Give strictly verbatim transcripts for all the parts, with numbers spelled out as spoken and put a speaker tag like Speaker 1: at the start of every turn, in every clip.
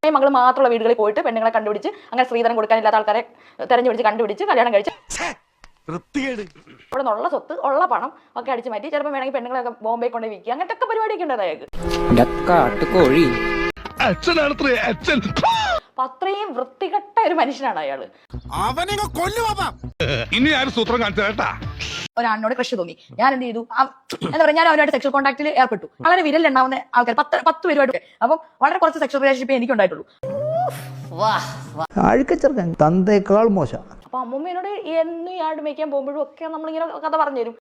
Speaker 1: മകൾ മാത്രമുള്ള വീടുകളിൽ പോയിട്ട് പെണ്ണുങ്ങളെ കണ്ടുപിടിച്ച് അങ്ങനെ സ്ത്രീധനം കൊടുക്കാനില്ലാത്ത ആൾക്കാരെ തെരഞ്ഞുപിടിച്ച് കണ്ടുപിടിച്ച് കല്യാണം കഴിച്ച് ഇവിടെ നിന്നുള്ള സ്വത്ത് ഉള്ള പണം ഒക്കെ അടിച്ചു മാറ്റി ചിലപ്പോൾ വേണമെങ്കിൽ പെണ്ണുങ്ങളൊക്കെ ബോംബെ കൊണ്ട് വിൽക്കുക അങ്ങനത്തെ ഒക്കെ പരിപാടിയൊക്കെ ഉണ്ട് അയാൾക്ക്. അപ്പൊ അത്രയും വൃത്തികെട്ട ഒരു മനുഷ്യനാണ് അയാള്. ഒരാളിനോട് ക്രഷ് തോന്നി, ഞാൻ എന്ത് ചെയ്തു, എന്താ പറയാ, ഞാൻ അവരുമായിട്ട് സെക്ഷൽ കോൺടാക്റ്റിൽ ഏർപ്പെട്ടു. വളരെ വിരലുണ്ടാവുന്ന ആൾക്കാർ പത്ത് പത്ത് പേരുമായിട്ട്, അപ്പം വളരെ കുറച്ച് സെക്ഷൽ റിലേഷൻഷിപ്പ് എനിക്ക് ഉണ്ടായിട്ടുള്ളൂ.
Speaker 2: തന്തേക്കാൾ മോശം.
Speaker 1: അപ്പൊ അമ്മൂമ്മേനോട് എന്നും യാർഡ് മേയ്ക്കാൻ പോകുമ്പോഴും ഒക്കെ നമ്മളിങ്ങനെ കഥ പറഞ്ഞുതരും.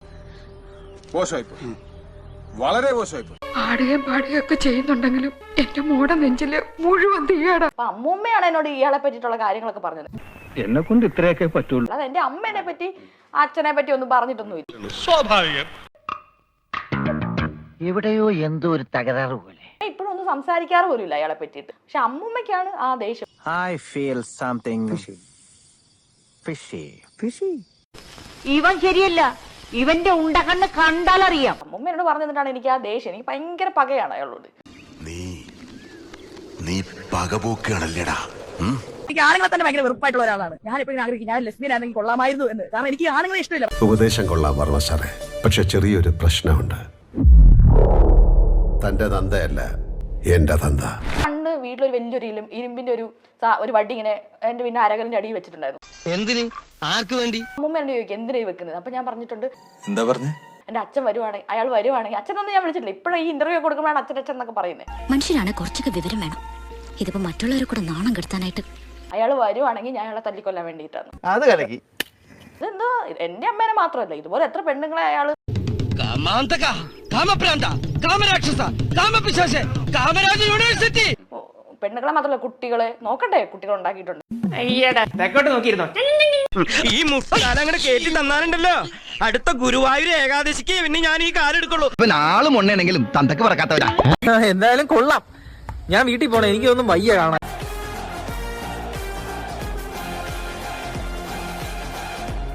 Speaker 3: വളരെ മോശമായി
Speaker 4: പാടുകയും പാടുകയൊക്കെ ചെയ്യുന്നുണ്ടെങ്കിലും എന്റെ മോടെ നെഞ്ചില് മുഴുവൻ തീയാടാ.
Speaker 1: അപ്പൊ അമ്മൂമ്മയാണ് എന്നോട് ഇയാളെ പറ്റിയിട്ടുള്ള കാര്യങ്ങളൊക്കെ പറഞ്ഞത്.
Speaker 5: എന്നെ കൊണ്ട് ഇത്രയൊക്കെ പറ്റുള്ളൂ.
Speaker 1: അല്ലാതെ എന്റെ അമ്മേനെ പറ്റി അച്ഛനെ പറ്റി ഒന്നും പറഞ്ഞിട്ടൊന്നുമില്ല.
Speaker 5: സ്വാഭാവികം.
Speaker 6: എവിടെയോ എന്തോ ഒരു തകരാറ് പോലെ.
Speaker 1: ഇപ്പോഴും ഒന്നും സംസാരിക്കാറ് പോലും ഇല്ല അയാളെ പറ്റിയിട്ട്. പക്ഷെ അമ്മൂമ്മയ്ക്കാണ് ആ ദേഷ്യം.
Speaker 2: I feel something fishy. Fishy?
Speaker 6: ഇവൻ ശരിയല്ല, ഇവന്റെ ഉണ്ടകണ്ണ് കണ്ടാലറിയാം.
Speaker 1: അമ്മൂമ്മ എന്നോട് പറഞ്ഞു തന്നിട്ടാണ് എനിക്ക് ആ ദേഷ്യം. എനിക്ക് ഭയങ്കര പകയാണ് അയാളോട്.
Speaker 3: നീ നീ പകപോക്കാണല്ലേടാ.
Speaker 1: എനിക്ക് ആണുങ്ങളെ തന്നെ ഭയങ്കര വെറുപ്പായിട്ടുള്ള ഒരാളാണ്. ഞാൻ എപ്പോഴും ആഗ്രഹിക്കും ഞാൻ ലെസ്ബിയൻ ആണെങ്കിൽ കൊള്ളാമായിരുന്നു എന്ന്. കാരണം എനിക്ക് ആണുങ്ങളെ ഇഷ്ടമില്ല.
Speaker 3: ഉപദേശം കൊള്ളാൻ വർമ്മ സാറേ, പക്ഷെ ചെറിയൊരു പ്രശ്നമുണ്ട്. തന്റെ തന്തയല്ല എന്റെ തന്ത.
Speaker 1: പണ്ട് വീട്ടിലൊരു വലിയൊരു ഇലും ഇരുമ്പിന്റെ ഒരു ഒരു വടി ഇങ്ങനെ എന്റെ പിന്നെ അരകലിന്റെ അടിയിൽ വെച്ചിട്ടുണ്ടായിരുന്നു.
Speaker 6: എന്തിന്, ആർക്ക് വേണ്ടി?
Speaker 1: അമ്മൂമ്മ എന്നോട് ചോദിക്കും എന്തിനായി വെക്കുന്നത്. അപ്പൊ ഞാൻ പറഞ്ഞിട്ടുണ്ട്,
Speaker 3: എന്താ പറഞ്ഞേ,
Speaker 1: എന്റെ അച്ഛൻ വരുവാണെങ്കിൽ അയാൾ വരുവാണെങ്കിൽ അച്ഛനൊന്നും ഞാൻ വിളിച്ചിട്ടില്ല. ഇപ്പോഴും ഈ ഇന്റർവ്യൂ കൊടുക്കുമ്പോഴാണ് അച്ഛൻ അച്ഛൻ എന്നൊക്കെ പറയുന്നത്.
Speaker 7: മനുഷ്യനാണ് കുറച്ചൊക്കെ വിവരം വേണം. ഇതിപ്പോ മറ്റുള്ളവരെ കൂടെ നാണം കെടുത്താനായിട്ട്.
Speaker 1: അയാൾ വരുവാണെങ്കിൽ ഞാൻ അയാളെ തല്ലിക്കൊല്ലാൻ വേണ്ടിയിട്ടാണ്.
Speaker 2: അത് കലക്കി.
Speaker 1: ഇതെന്തോ എന്റെ അമ്മേനെ മാത്രമല്ല, ഇതുപോലെ എത്ര പെണ്ണുങ്ങളെ അയാള് പെണ്ണുങ്ങളെ മാത്രമല്ല കുട്ടികളെ നോക്കട്ടെ, കുട്ടികൾ ഉണ്ടാക്കിയിട്ടുണ്ട്.
Speaker 8: ഈ മുസ്താനങ്ങനെ കേട്ടി തന്നാലുണ്ടല്ലോ, അടുത്ത ഗുരുവായൂർ ഏകാദശിക്ക് പിന്നെ ഞാൻ ഈ കാലെടുക്കുള്ളൂ.
Speaker 2: ആളും ഉണ്ടെങ്കിലും തന്തക്ക് പറക്കാത്തവരാ. എന്തായാലും കൊള്ളാം. ഞാൻ വീട്ടിൽ പോണേ, എനിക്കൊന്നും വയ്യ കാണാൻ.